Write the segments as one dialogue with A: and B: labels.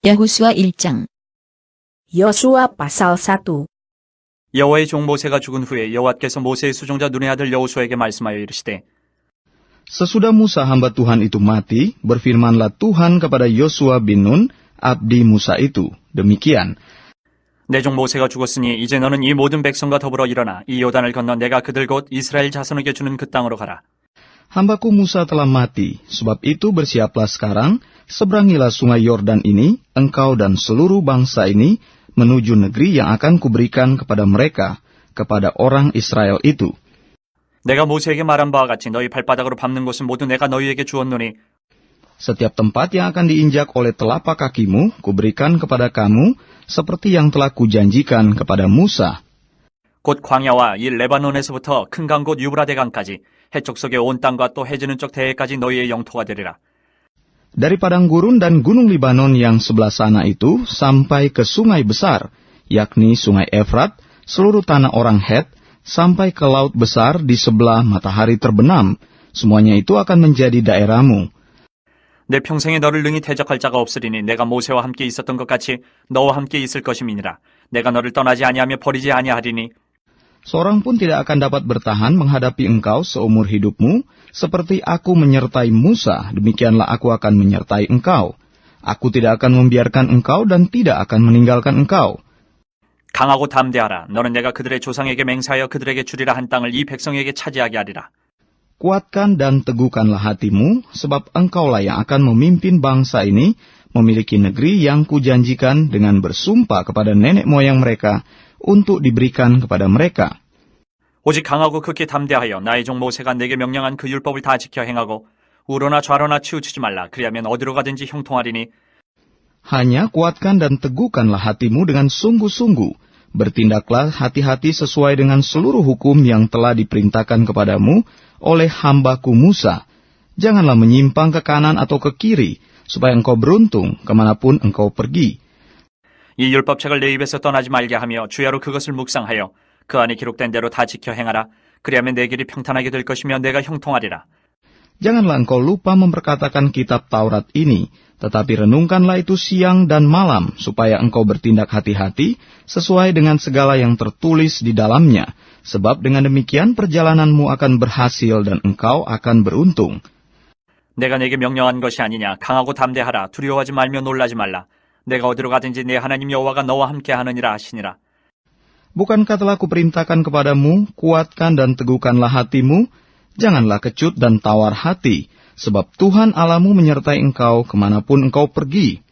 A: 여호수아 1장.
B: 여수아 pasal 1.
C: 여호와의 종 모세가 죽은 후에 여호와께서 모세의 수종자 눈의 아들 여호수아에게 말씀하여 이르시되
D: Sesudah Musa hamba Tuhan itu mati, berfirmanlah Tuhan kepada Yosua bin Nun, abdi Musa itu. Demikian,
C: 내 종 모세가 죽었으니 이제 너는 이 모든 백성과 더불어 일어나 이 요단을 건너 내가 그들 곧 이스라엘 자손에게 주는 그 땅으로 가라.
D: Hambaku Musa telah mati, sebab itu bersiaplah sekarang, seberangilah sungai Yordan ini, engkau dan seluruh bangsa ini, menuju negeri yang akan kuberikan kepada mereka, kepada orang Israel itu.
C: 내가 모세에게 말한 바와 같이 너희 발바닥으로 밟는 곳은 모두 내가 너희에게 주었노니
D: Setiap tempat yang akan diinjak oleh telapak kakimu, kuberikan kepada kamu, seperti yang telah kujanjikan kepada Musa.
C: 곧 광야와 이 레바논에서부터 큰 강 곧 유브라데 강까지 해쪽 속의 온 땅과 또 해지는 쪽 대해까지 너희의 영토가 되리라.
D: Dari padang gurun dan gunung Libanon yang sebelah sana itu, sampai ke sungai besar, yakni sungai Efrat, seluruh tanah orang Het, sampai ke laut besar di sebelah matahari terbenam, semuanya itu akan menjadi daerahmu.
C: 내 평생에 너를 능히 대적할 자가 없으리니 내가 모세와 함께 있었던 것 같이 너와 함께 있을 것임이니라. 내가 너를 떠나지 아니하며 버리지 아니하리니
D: Seorang pun tidak akan dapat bertahan menghadapi engkau seumur hidupmu, seperti aku menyertai Musa, demikianlah aku akan menyertai engkau. Aku tidak akan membiarkan engkau dan tidak akan meninggalkan engkau.
C: 강하고 담대하라. 너는 내가 그들의 조상에게 맹세하여 그들에게 주리라 한 땅을 이 백성에게 차지하게 하리라.
D: Kuatkan dan teguhkanlah hatimu, sebab engkaulah yang akan memimpin bangsa ini, memiliki negeri yang kujanjikan dengan bersumpah kepada nenek moyang mereka, untuk diberikan kepada mereka.
C: 오직 강하고 극히 담대하여 나의 종 모세가 내게 명령한 그 율법을 다 지켜 행하고 우로나 좌로나 치우치지 말라. 그리하면 어디로 가든지 형통하리니
D: Hanya kuatkan dan teguhkanlah hatimu dengan sungguh-sungguh. Bertindaklah hati-hati sesuai dengan seluruh hukum yang telah diperintahkan kepadamu oleh hambaku Musa. Janganlah menyimpang ke kanan atau ke kiri, supaya engkau beruntung kemanapun engkau pergi.
C: 이 율법책을 내 입에서 떠나지 말게 하며 주야로 그것을 묵상하여 그 안에 기록된 대로 다 지켜 행하라. 그리하면 내 길이 평탄하게 될 것이며 내가 형통하리라.
D: Janganlah engkau lupa memperkatakan kitab Taurat ini, tetapi renungkanlah itu siang dan malam, supaya engkau bertindak hati-hati sesuai dengan segala yang tertulis di dalamnya. Sebab dengan demikian perjalananmu akan berhasil dan engkau akan beruntung.
C: 내가 내게 명령한 것이 아니냐. 강하고 담대하라. 두려워하지 말며 놀라지 말라. 내가 어디로 가든지 내 하나님 여호와가 너와 함께 하느니라 하시니라.
D: Bukankah telah kuperintahkan kepadamu, kuatkan dan teguhkanlah hatimu, janganlah kecut dan tawar hati, sebab Tuhan Allahmu menyertai engkau kemanapun engkau pergi.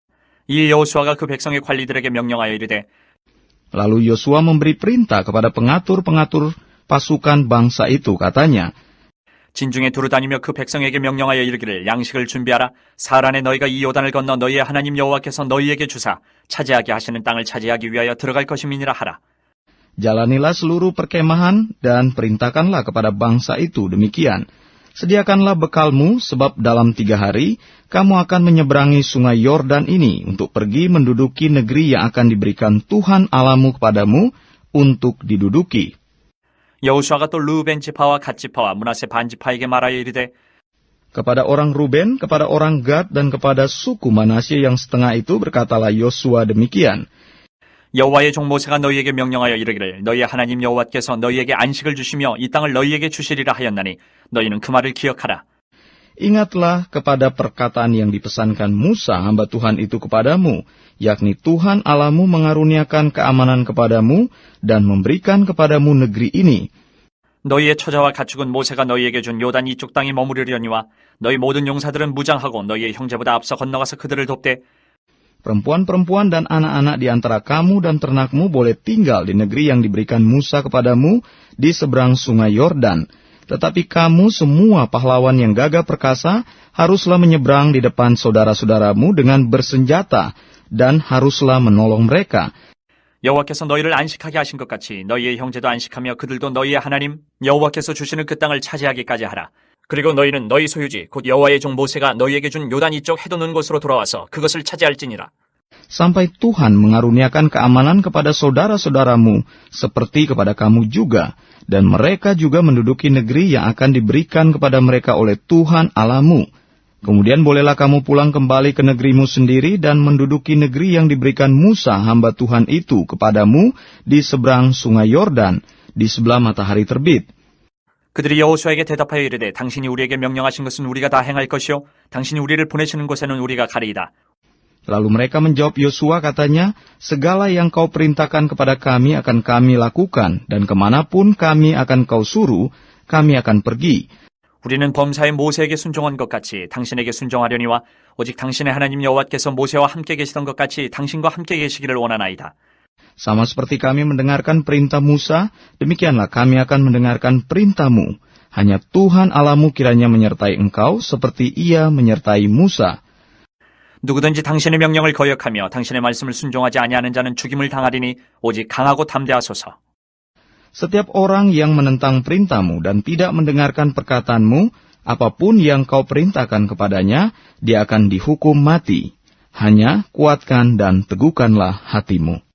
C: 이 여호수아가 그 백성의 관리들에게 명령하여 이르되
D: Lalu Yosua memberi perintah kepada pengatur-pengatur pasukan bangsa itu, katanya,
C: 진중에 두루다니며 그 백성에게 명령하여 이르기를 양식을 준비하라. 사흘 안에 너희가 이 요단을 건너 너희의 하나님 여호와께서 너희에게 주사 차지하게 하시는 땅을 차지하기 위하여 들어갈 것임이니라 하라.
D: Jalanilah seluruh perkemahan dan perintahkanlah kepada bangsa itu demikian. Sediakanlah bekalmu, sebab dalam 3 hari kamu akan menyeberangi sungai Yordan ini untuk pergi menduduki negeri yang akan diberikan Tuhan Allahmu kepadamu untuk diduduki.
C: 여호수아가 또 르우벤 지파와 갓 지파와 므낫세 반 지파에게 말하여 이르되
D: Kepada orang Ruben, kepada orang Gad, dan kepada suku Manasye yang setengah itu berkatalah Yosua demikian.
C: 여호와의 종 모세가 너희에게 명령하여 이르기를 너희의 하나님 여호와께서 너희에게 안식을 주시며 이 땅을 너희에게 주시리라 하였나니 너희는 그 말을 기억하라.
D: Ingatlah kepada perkataan yang dipesankan Musa hamba Tuhan itu kepadamu, yakni Tuhan Allahmu mengaruniakan keamanan kepadamu dan memberikan kepadamu negeri ini.
C: 너희의 처자와 가축은 모세가 너희에게 준 요단 이쪽 땅에 머무르려니와 너희 모든 용사들은 무장하고 너희의 형제보다 앞서 건너가서 그들을 돕되
D: Perempuan-perempuan dan anak-anak di antara kamu dan ternakmu boleh tinggal di negeri yang diberikan Musa kepadamu di seberang sungai Yordan. Tetapi kamu semua pahlawan yang gagah perkasa haruslah menyeberang di depan saudara-saudaramu dengan bersenjata dan haruslah menolong mereka.
C: 여호와께서 너희를 안식하게 하신 것 같이 너희의 형제도 안식하며 그들도 너희의 하나님 여호와께서 주시는 그 땅을 차지하기까지 하라. 그리고 너희는 너희 소유지 곧 여호와의 종 모세가 너희에게 준 요단 이쪽 해돋는 곳으로 돌아와서 그것을 차지할지니라.
D: Sampai Tuhan mengaruniakan keamanan kepada saudara-saudaramu seperti kepada kamu juga, dan mereka juga menduduki negeri yang akan diberikan kepada mereka oleh Tuhan Allahmu. Kemudian bolehlah kamu pulang kembali ke negerimu sendiri dan menduduki negeri yang diberikan Musa hamba Tuhan itu kepadamu di seberang sungai Yordan, di sebelah matahari terbit.
C: 그들이 여호수아에게 대답하여 이르되 당신이 우리에게 명령하신 것은 우리가 다 행할 것이요 당신이 우리를 보내시는 곳에는 우리가 가리이다.
D: Lalu mereka menjawab Yosua katanya, segala yang kau perintahkan kepada kami akan kami lakukan, dan kemanapun kami akan kau suruh, kami akan pergi.
C: 우리는 범사에 모세에게 순종한 것 같이 당신에게 순종하려니와 오직 당신의 하나님 여호와께서 모세와 함께 계시던 것 같이 당신과 함께 계시기를 원하나이다.
D: Sama seperti kami mendengarkan perintah Musa, demikianlah kami akan mendengarkan perintahmu. Hanya Tuhan Allahmu kiranya menyertai engkau seperti ia menyertai Musa.
C: 누구든지 당신의 명령을 거역하며 당신의 말씀을 순종하지 아니하는 자는 죽임을 당하리니 오직 강하고 담대하소서.
D: Setiap orang yang menentang perintahmu dan tidak mendengarkan perkataanmu, apapun yang kau perintahkan kepadanya, dia akan dihukum mati. Hanya kuatkan dan teguhkanlah hatimu.